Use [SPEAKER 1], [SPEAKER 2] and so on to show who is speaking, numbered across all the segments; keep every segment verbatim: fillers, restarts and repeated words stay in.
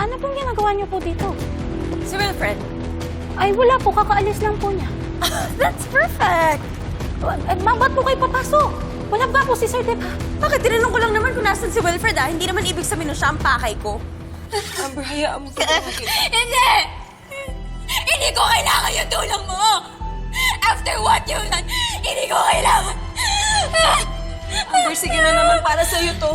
[SPEAKER 1] ano pong ginagawa niyo po dito?
[SPEAKER 2] Si Wilfred.
[SPEAKER 1] Ay, wala po. Kakaalis lang po niya.
[SPEAKER 2] That's perfect!
[SPEAKER 1] Eh, ma'am, ba't po kayo papasok? Wala ba po si Sir Deb, ha?
[SPEAKER 2] Bakit? Tinanong ko lang naman kung nasan si Wilfred, ah. Hindi naman ibig sabihin na siya ang pakay ko.
[SPEAKER 3] Amber, hayaan mo sa
[SPEAKER 2] Hindi! Hindi ko kailangan yung tulong mo! After what you've done, hindi ko kailangan!
[SPEAKER 3] Amber, sige na naman para sa'yo to.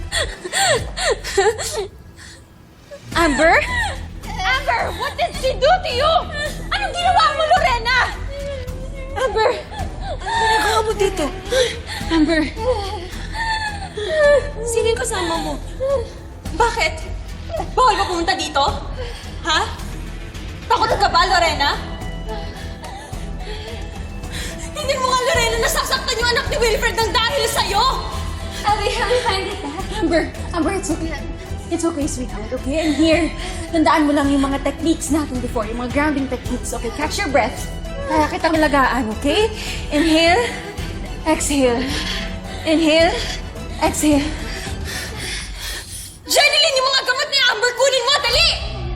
[SPEAKER 1] Amber?
[SPEAKER 2] Amber, what did she do to you? Anong ginawa mo, Lorena?
[SPEAKER 1] Amber!
[SPEAKER 3] Ginagawa mo dito.
[SPEAKER 1] Amber!
[SPEAKER 3] Sino yung kasama mo?
[SPEAKER 2] Bakit? Bawal ba pumunta dito? Ha? Takot ka ba, Lorena? Hindi mo nga, Lorena, nasasaktan yung anak ni Wilfred ng dahil sa'yo!
[SPEAKER 1] Abby, how do you find it, Amber, Amber, it's okay. It's okay, sweetheart, okay? And here, tandaan mo lang yung mga techniques natin before, yung mga grounding techniques, okay? Catch your breath. Kaya kitang lagaan, okay? Inhale, exhale. Inhale, exhale.
[SPEAKER 2] Jeneline, yung mga gamot ni Amber, kunin mo, dali!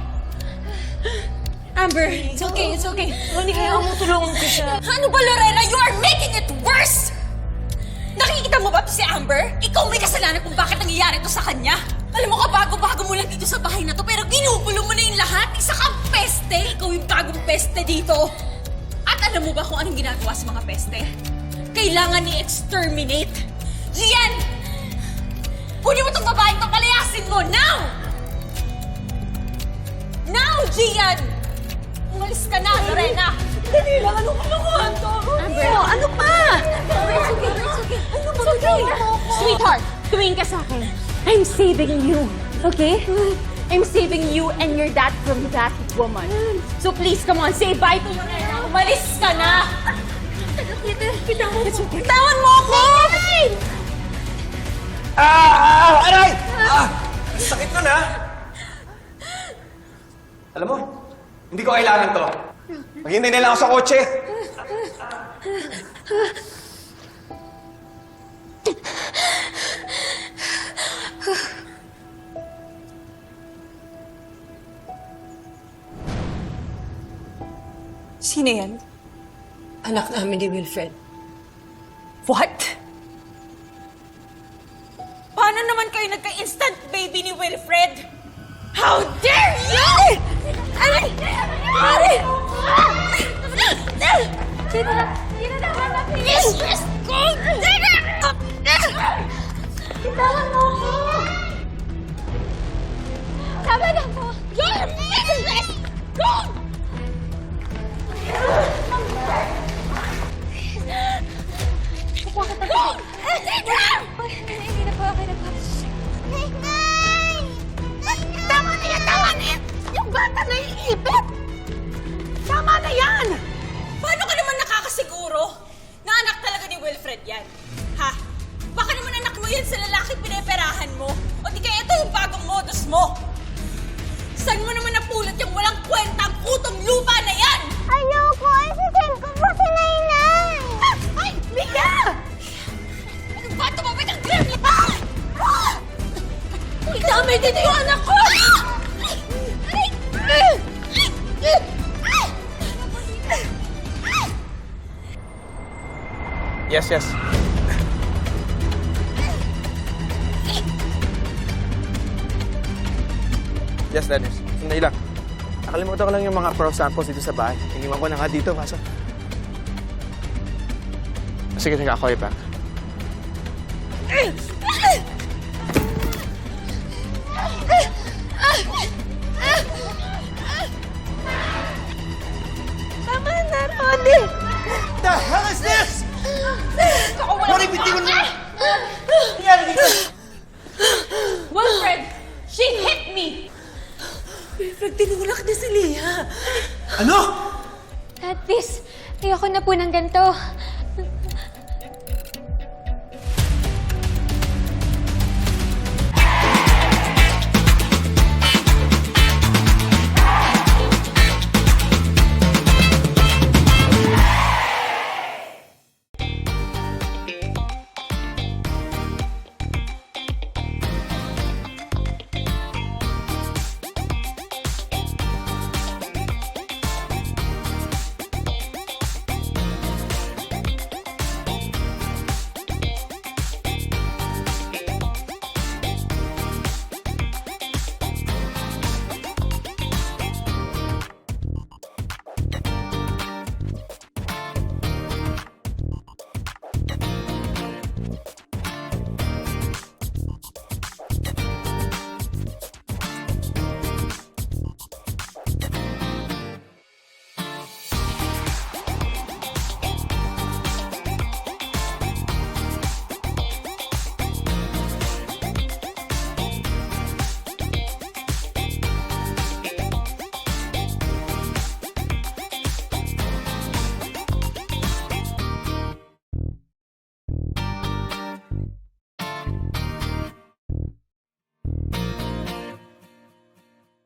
[SPEAKER 1] Amber, it's okay, it's okay.
[SPEAKER 3] Hindi kaya mo tulungan ko siya.
[SPEAKER 2] Ano ba, Lorena? You are making it worse! Nakikita mo ba to si Amber? Ikaw may kasalanan kung bakit nangyayari to sa kanya. Alam mo ka, bago-bago mo lang dito sa bahay na to, pero ginugulo mo na yung lahat. Isa kang peste. Ikaw yung bagong peste dito. At alam mo ba kung anong ginagawa sa mga peste? Kailangan ni-exterminate. Gian! Kunin mo tong babaeng to, palayasin mo, now! Now, Gian! Umalis ka na, Lorena!
[SPEAKER 3] Dali lang, anong kalokohan to?
[SPEAKER 1] Amber, oh, ano pa? Amber, it's okay, it's okay.
[SPEAKER 3] Ano ba it's okay.
[SPEAKER 1] Sweetheart, tumingin ka sa akin. I'm saving you, okay? I'm saving you and your dad from that woman. So please, come on, say bye to Lorena. Umalis ka na!
[SPEAKER 3] Kita mo.
[SPEAKER 1] It's okay.
[SPEAKER 2] Tawan mo ako!
[SPEAKER 4] Ah! Ah! Aray! Ah! Sakit nun, ha? Alam mo, hindi ko kailangan to. Maghintay na lang ako sa kotse.
[SPEAKER 3] Sino yan? Anak namin ni Wilfred.
[SPEAKER 2] What? Paano naman kayo nagka-instant baby ni Wilfred? How dare you! Ay! Ay!
[SPEAKER 1] Sino na? Sino na? Hanapin!
[SPEAKER 2] Mistress ko!
[SPEAKER 1] Bitawan mo ako! Tama na po!
[SPEAKER 2] Your mistress ko!
[SPEAKER 1] Kukuha kita
[SPEAKER 2] Go!
[SPEAKER 1] Ay, hindi na po, okay na po.
[SPEAKER 2] Tama na yan! Tama na yan! Yung bata na iipit! Tama na yan! Paano ka naman nakakasiguro na anak talaga ni Wilfred yan? Ha? Baka naman anak mo yan sa lalaki pineperahan mo? O di kaya ito yung bagong modus mo? Saan mo naman napulot yung walang kwentang utong lupa na yan?
[SPEAKER 5] Ayoko! Isasend ko po si Nainay!
[SPEAKER 2] Ay! Mika! Ano ba? Tumabit ang grab niya! Ah! Itamay dito yung anak ko!
[SPEAKER 4] Yes, yes. Yes, Dennis. Sandali lang. Nakalimutan ko lang yung mga pro samples dito sa bahay. Iniwan ko na nga dito, kaso... Sige, sige, ako ipa.
[SPEAKER 2] Tama na, Ronnie!
[SPEAKER 4] The hell is this?
[SPEAKER 2] Ako wala
[SPEAKER 4] Ronnie, bitiwan mo! Nangyari dito?
[SPEAKER 2] Wilfred! She hit me!
[SPEAKER 3] Wilfred, tinulak na si Leah.
[SPEAKER 4] Ano?
[SPEAKER 1] Dad, please, ayoko na po ng ganito.